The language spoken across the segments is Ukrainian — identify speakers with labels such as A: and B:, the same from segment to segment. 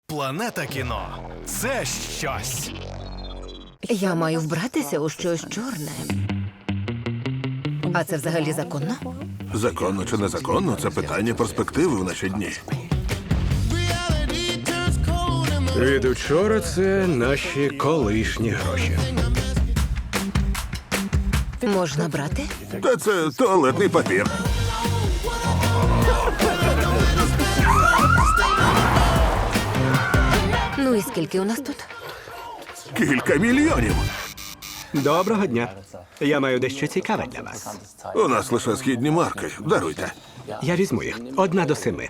A: Планета кіно – це щось.
B: Я маю вбратися у щось чорне. А це взагалі законно?
C: Законно чи незаконно – це питання перспективи в наші дні.
D: Від учора це наші колишні гроші.
B: Можна брати?
C: Та це туалетний папір.
B: Ну і скільки у нас тут?
C: Кілька мільйонів.
D: Доброго дня. Я маю дещо цікаве для вас.
C: У нас лише східні марки. Даруйте.
D: Я візьму їх. 1 до 7.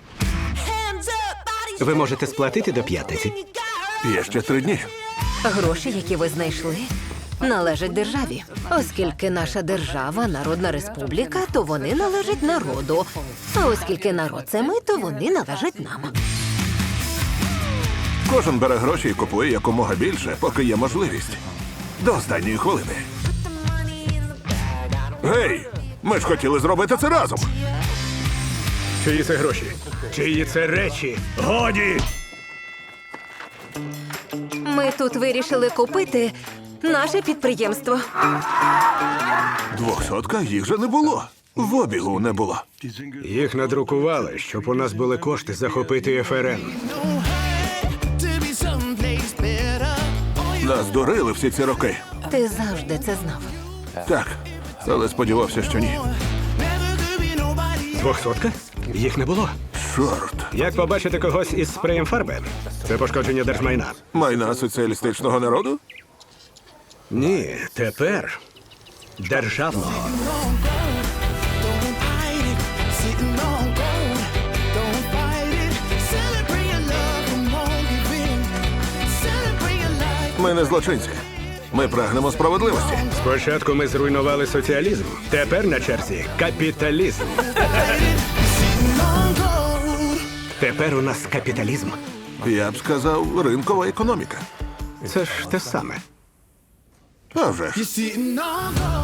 D: Ви можете сплатити до 5.
C: Є ще 3 дні.
B: Гроші, які ви знайшли, належать державі. Оскільки наша держава – народна республіка, то вони належать народу. А оскільки народ – це ми, то вони належать нам.
C: Кожен бере гроші і купує якомога більше, поки є можливість. До останньої хвилини. Гей! Ми ж хотіли зробити це разом.
D: Чиї це гроші? Чиї це речі? Годі!
B: Ми тут вирішили купити наше підприємство.
C: 200 їх же не було. В обігу не було.
D: Їх надрукували, щоб у нас були кошти захопити ФРН.
C: Нас дурили всі ці роки.
B: Ти завжди це знав.
C: Так, але сподівався, що ні.
D: 200? Їх не було.
C: Чорт.
D: Як побачити когось із спреєм фарби? Це пошкодження держмайна.
C: Майна соціалістичного народу?
D: Ні, тепер державного.
C: Ми не злочинці. Ми прагнемо справедливості.
D: Спочатку ми зруйнували соціалізм. Тепер на черзі капіталізм. Тепер у нас капіталізм.
C: Я б сказав, ринкова економіка.
D: Це ж те саме.
C: А вже ж.
E: Sitting on gold.